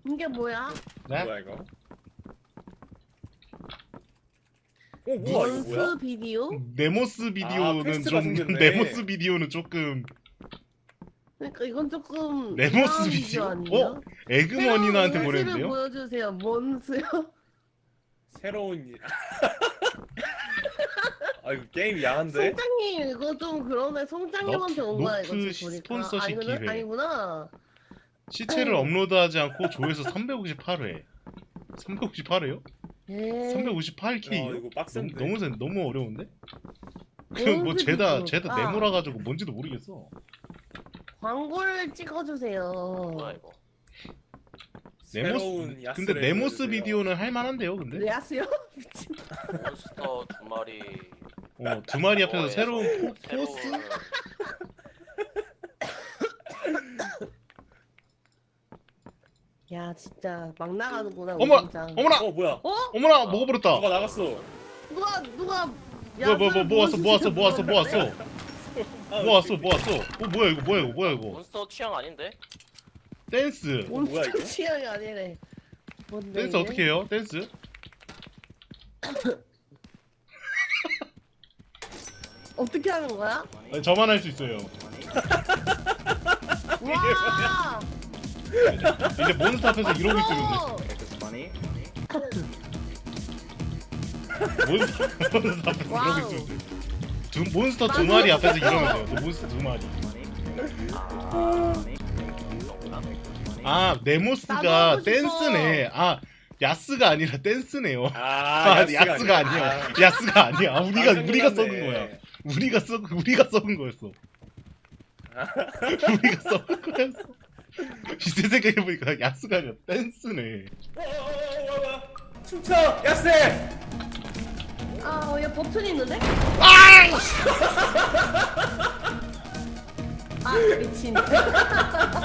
이게 뭐야? 네? 뭐야 이거? 뭐야 이거 원스 뭐야? 비디오? 네모스 비디오는 퀘스트가 좀 생겼네. 네모스 비디오는 조금 그러니까 이건 조금 네모스 이상한 비디오? 아니에요? 어? 에그머니나한테 새로운 모습을 보냈는데요? 보여주세요. 뭔스요? 새로운 아 이거 게임 야한데? 송장님 이거 좀 그러네. 송장님한테 온 거야 이거 노트 지금 보니까. 스폰서십 아니구나? 기회. 아니구나. 시체를 업로드하지 않고 조회수 358회 358회요? 예. 358K요? 이거 빡센데. 너무 어려운데? 그 뭐 뭔스 죄다 비디오. 네모라가지고 뭔지도 모르겠어. 광고를 찍어주세요. 뭐야 이거? 새로운 야스를 근데 네모스 보여주세요. 비디오는 할만한데요, 근데? 레아스요? 미친. 몬스터 두 마리. 두 마리 앞에서 뭐에서 새로운 포스? 새로운 야 진짜 막 나가는구나. 어머! 진짜. 어머나! 뭐야? 어? 어머나! 먹어버렸다! 누가 나갔어? 누가 뭐 왔어? 아, 뭐 왔어? 뭐야 이거? 몬스터 취향 아닌데? 댄스! 뭐야, 이거? 취향이 아니래. 뭔데, 댄스 이게? 어떻게 해요? 댄스? 어떻게 하는 거야? 아니, 저만 할 수 있어요. 와! 이제 몬스터 앞에서 이러고 있으면 어! 돼. 몬스터 앞에서 이러고 와우. 있으면 돼. 몬스터 두 마리 앞에서 이러면 돼요. 몬스터 두 마리. 아, 네모스가 나도 하고 싶어. 댄스네. 아, 야스가 아니라 댄스네요. 아 야스가 아니야. 야스가 아니야. 우리가 썩은 몰랐네. 거야. 우리가 썩은 거였어. 우리가 썩은 거였어. 이제 생각해보니까 야스가 아니라 댄스네. 춤춰 야스! 아, 얘 버튼이 있는데? 아, 미친.